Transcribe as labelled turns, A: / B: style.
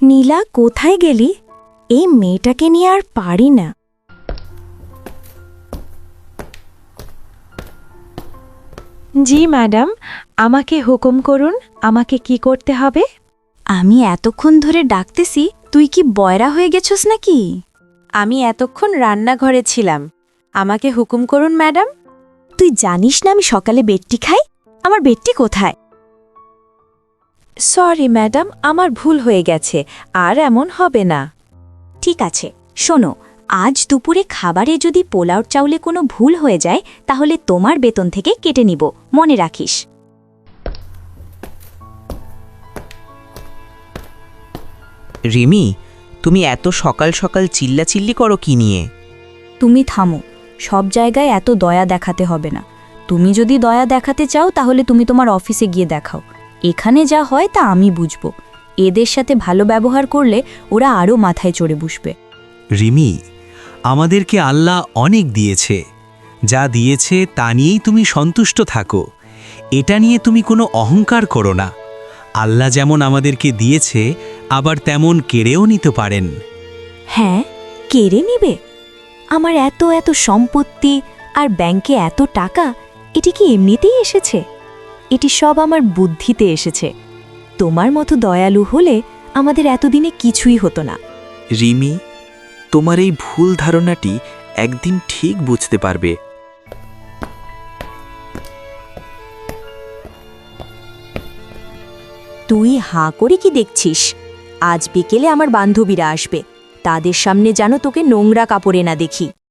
A: নীলা, কোথায় গেলি? এই মেয়েটাকে নিয়ে আর পারি না।
B: জি ম্যাডাম, আমাকে হুকুম করুন, আমাকে কি করতে হবে?
A: আমি এতক্ষণ ধরে ডাকতেছি, তুই কি বয়রা হয়ে গেছস নাকি?
B: আমি এতক্ষণ রান্নাঘরে ছিলাম। আমাকে হুকুম করুন ম্যাডাম।
A: তুই জানিস না আমি সকালে বেডটি খাই? আমার বেডটি কোথায়?
B: সরি ম্যাডাম, আমার ভুল হয়ে গেছে, আর এমন হবে না।
A: ঠিক আছে, শোনো, আজ দুপুরে খাবারে যদি পোলাও চাউলে কোনো ভুল হয়ে যায় তাহলে তোমার বেতন থেকে কেটে নিব, মনে রাখিস।
C: রিমি, তুমি এত সকাল সকাল চিল্লাচিল্লি করো কি নিয়ে?
A: তুমি থামো, সব জায়গায় এত দয়া দেখাতে হবে না। তুমি যদি দয়া দেখাতে চাও তাহলে তুমি তোমার অফিসে গিয়ে দেখাও। এখানে যা হয় তা আমি বুঝব। এদের সাথে ভালো ব্যবহার করলে ওরা আরও মাথায় চড়ে বসবে।
D: রিমি, আমাদেরকে আল্লাহ অনেক দিয়েছে। যা দিয়েছে তা নিয়েই তুমি সন্তুষ্ট থাকো। এটা নিয়ে তুমি কোনো অহংকার করো না। আল্লাহ যেমন আমাদেরকে দিয়েছে, আবার তেমন কেড়েও নিতে পারেন।
A: হ্যাঁ, কেড়ে নিবে? আমার এত এত সম্পত্তি আর ব্যাংকে এত টাকা, এটি কি এমনিতেই এসেছে? এটি সব আমার বুদ্ধিতে এসেছে। তোমার মতো দয়ালু হলে আমাদের এতদিনে কিছুই হতো না।
E: রিমি, তোমার এই ভুল ধারণাটি একদিন ঠিক বুঝতে পারবে।
A: তুই হাঁ করে কি দেখছিস? আজ বিকেলে আমার বান্ধবীরা আসবে, তাদের সামনে যেন তোকে নোংরা কাপড়ে না দেখি।